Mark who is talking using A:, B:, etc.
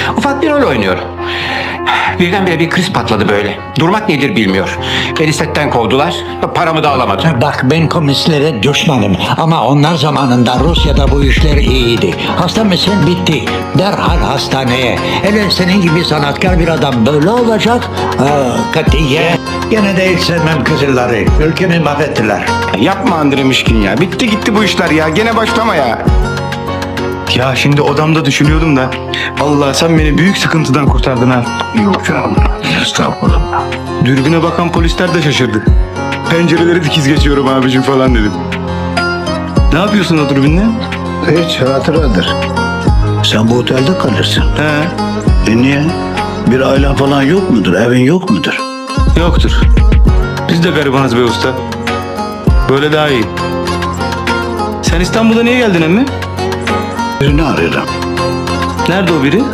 A: Ufak bir rol oynuyorum. Birdenbire bir kriz patladı böyle. Durmak nedir bilmiyor. Beni setten kovdular. Paramı da alamadım.
B: Bak ben komünistlere düşmanım ama onlar zamanında Rusya'da bu işler iyiydi. Hasta mısın? Bitti. Derhal hastaneye. Hele senin gibi sanatkar bir adam böyle olacak. Katiye. Gene de hiç sevmem Kızılları. Ülkemi mahvettiler.
C: Yapma Andre Mişkin ya. Bitti gitti bu işler ya. Gene başlama ya. Ya şimdi odamda düşünüyordum da. Allah sen beni büyük sıkıntıdan kurtardın ha.
B: Yok canım. Estağfurullah.
C: Dürbüne bakan polisler de şaşırdı. Pencereleri dikiz geçiyorum abicim falan dedim. Ne yapıyorsun o dürbünle?
B: Hiç hatıradır. Sen bu otelde kalırsın.
C: He.
B: Niye? Bir ailen falan yok mudur? Evin yok mudur?
C: Yoktur. Biz de garibanız be usta. Böyle daha iyi. Sen İstanbul'a niye geldin emmi?
B: Birini arıyorum.
C: Nerede o biri?